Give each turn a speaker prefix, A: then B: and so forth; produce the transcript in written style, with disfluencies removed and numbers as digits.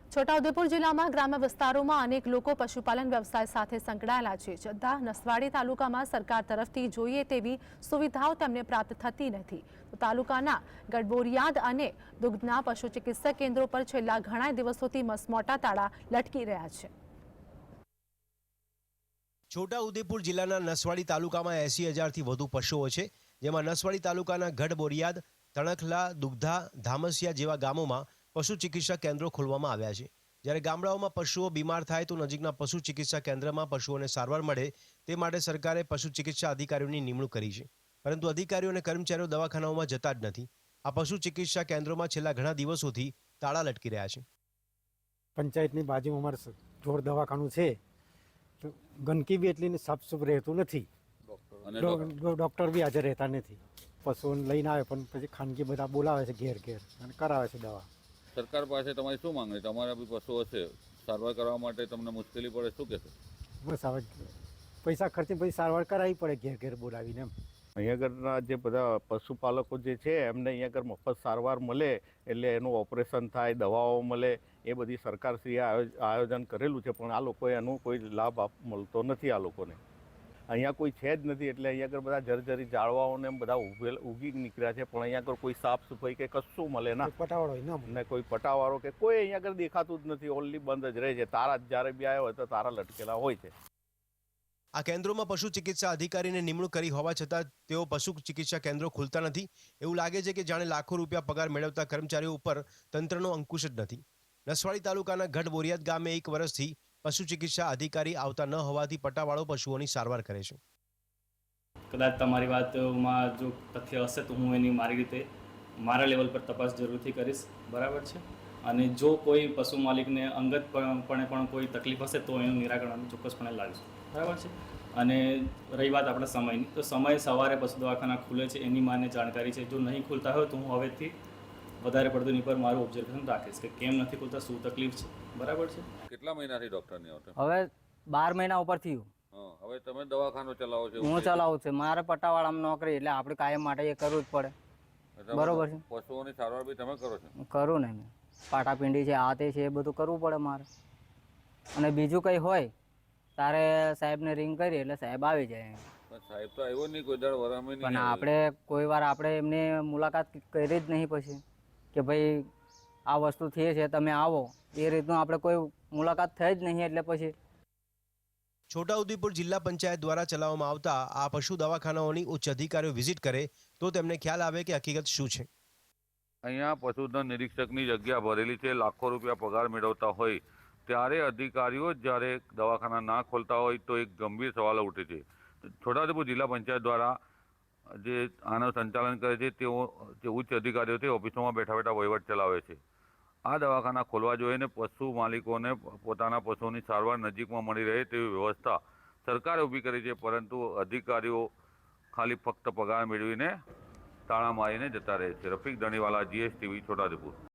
A: છોટાઉદેપુર જિલ્લામાં ગ્રામ્ય વિસ્તારોમાં અનેક લોકો પશુપાલન વ્યવસાય સાથે સંકળાયેલા છે, છતાં નસવાડી તાલુકામાં સરકાર તરફથી જોઈએ તેવી સુવિધાઓ તેમને પ્રાપ્ત થતી નથી. તો તાલુકાના ગડબોરિયાદ અને દુગ્ધના પશુ ચિકિત્સક કેન્દ્રો પર છેલ્લા ઘણા દિવસોથી મસમોટા તાળા લટકી રહ્યા છે.
B: છોટાઉદેપુર જિલ્લાના નસવાડી તાલુકામાં 80,000થી વધુ પશુઓ છે, જેમાં નસવાડી તાલુકાના ગઢબોરિયાદ, તણખલા, દુગ્ધા, ધામસિયા જેવા ગામોમાં પશુ ચિકિત્સા કેન્દ્રો ખોલવામાં આવ્યા છે. જ્યારે ગામડાઓમાં પશુઓ બીમાર થાય તો નજીકના પશુ ચિકિત્સા કેન્દ્રમાં પશુઓને સારવાર મળે તે માટે સરકારે પશુ ચિકિત્સા અધિકારીઓની નિમણૂક કરી છે, પરંતુ અધિકારીઓ અને કર્મચારીઓ દવાખાનાઓમાં જતા જ નથી. આ પશુ ચિકિત્સા કેન્દ્રોમાં છેલ્લા ઘણા દિવસોથી તાળા લટકી રહ્યા છે.
C: પંચાયતની બાજુમાં અમારે જોર દવાખાનું છે, તો ગંદકી બી એટલી સાફ રહેતું નથી, ડૉક્ટર બી હાજર રહેતા નથી. પશુઓને લઈને આવે પણ પછી ખાનગી બધા બોલાવે છે ઘેર ઘેર અને કરાવે છે દવા.
D: સરકાર પાસે તમારી શું માંગણી? તમારા બી પશુઓ છે, સારવાર કરવા માટે તમને મુશ્કેલી પડે, શું કહેશો?
C: બસ હવે પૈસા ખર્ચીને પછી સારવાર કરાવવી પડે ઘેર ઘેર બોલાવીને. એમ
E: અહીંયા આગળના જે બધા પશુપાલકો જે છે એમને અહીંયા આગળ મફત સારવાર મળે, એટલે એનું ઓપરેશન થાય, દવાઓ મળે, એ બધી સરકારશ્રીએ આયોજન કરેલું છે, પણ આ લોકોએ એનો કોઈ લાભ મળતો નથી. આ લોકોને અહીંયા કોઈ છે જ નથી, એટલે અહીંયા આગળ બધા જર્જરી ઝાડવાઓને બધા ઉગી નીકળ્યા છે, પણ અહીંયા આગળ કોઈ સાફ સફાઈ કે કશું મળે ના,
C: પટાવાળો
E: ને કોઈ પટાવાળો કે કોઈ અહીંયા આગળ દેખાતું જ નથી. ઓનલી બંધ જ રહે છે. તારા જ્યારે બી આવ્યા હોય તો તારા લટકેલા હોય છે.
B: આ કેન્દ્રોમાં પશુ ચિકિત્સા અધિકારીને નિમણૂક કરી હોવા છતાં તેઓ પશુ ચિકિત્સા કેન્દ્રો ખુલતા નથી. એવું લાગે છે કે જાણે લાખો રૂપિયા પગાર મેળવતા કર્મચારીઓ ઉપર તંત્રનો અંકુશ જ નથી. નસવાડી તાલુકાના ગઢબોરિયાદ ગામે 1 વર્ષથી પશુ ચિકિત્સા અધિકારી આવતા ન હોવાથી પટાવાળો પશુઓની સારવાર કરે છે.
F: કદાચ તમારી વાતમાં જો તથ્ય હશે તો હું એની મારી રીતે મારા લેવલ પર તપાસ જરૂરથી કરીશ, બરાબર છે. અને જો કોઈ પશુ માલિકને અંગતપણે પણ કોઈ તકલીફ હશે તો એનું નિરાકરણ ચોક્કસપણે લાવીશું, બરાબર છે. અને રહી વાત આપણા સમયની, તો સમય સવારે પશુ દવાખાના ખુલે છે એની માને જાણકારી છે. જો નહીં ખુલતા હોય તો હું હવેથી વધારે પડતું એની પર મારું ઓબ્ઝર્વેશન રાખીશ કે કેમ નથી ખુલતા, શું તકલીફ છે, બરાબર છે.
D: કેટલા મહિનાથી ડૉક્ટર નહીં આવતા?
G: હવે 12 મહિના ઉપર થયું.
D: હવે તમે દવાખાનું ચલાવો છો?
G: હું ચલાવું છું. મારે પટ્ટાવાળામાં નોકરી, એટલે આપણે કાયમ માટે એ કરવું જ પડે, બરોબર છે.
D: પશુઓની સારવાર બી તમે કરો છો?
G: કરું ને, મેં પાટાપિંડી છે, આ તે છે, એ બધું કરવું પડે મારે. અને બીજું કંઈ હોય તારે સાહેબને રિંગ કરી એટલે સાહેબ આવી જાય.
D: સાહેબ તો આવ્યો નહીં કોઈ દાડ, વરામે નહીં.
G: પણ આપણે કોઈ વાર આપણે એમને મુલાકાત કરી જ નહીં પછી કે ભાઈ આ વસ્તુ થઈ છે તમે આવો, એ રીતનું આપણે કોઈ મુલાકાત થઈ જ નહીં. એટલે પછી
B: છોટાઉદેપુર જિલ્લા પંચાયત દ્વારા ચલાવવામાં આવતા આ પશુ દવાખાનાઓની ઉચ્ચ અધિકારીઓ વિઝિટ કરે તો તેમને ખ્યાલ આવે કે હકીકત શું છે.
D: અહીંયા પશુધન નિરીક્ષકની જગ્યા ભરેલી છે, લાખો રૂપિયા પગાર મેળવતા હોય, ત્યારે અધિકારીઓ જ્યારે દવાખાના ના ખોલતા હોય તો એક ગંભીર સવાલો ઉઠે છે. છોટાઉદેપુર જિલ્લા પંચાયત દ્વારા જે આનું સંચાલન કરે છે તેઓ જે ઉચ્ચ અધિકારીઓ તે ઓફિસોમાં બેઠા બેઠા વહીવટ ચલાવે છે. આ દવાખાના ખોલવા જોઈએ ને પશુ માલિકોને પોતાના પશુઓની સારવાર નજીકમાં મળી રહે તેવી વ્યવસ્થા સરકારે ઊભી કરી છે, પરંતુ અધિકારીઓ ખાલી ફક્ત પગાર મેળવીને તાળા મારીને જતા રહે છે. રફીક ધણીવાલા, GSTV, છોટાઉદેપુર.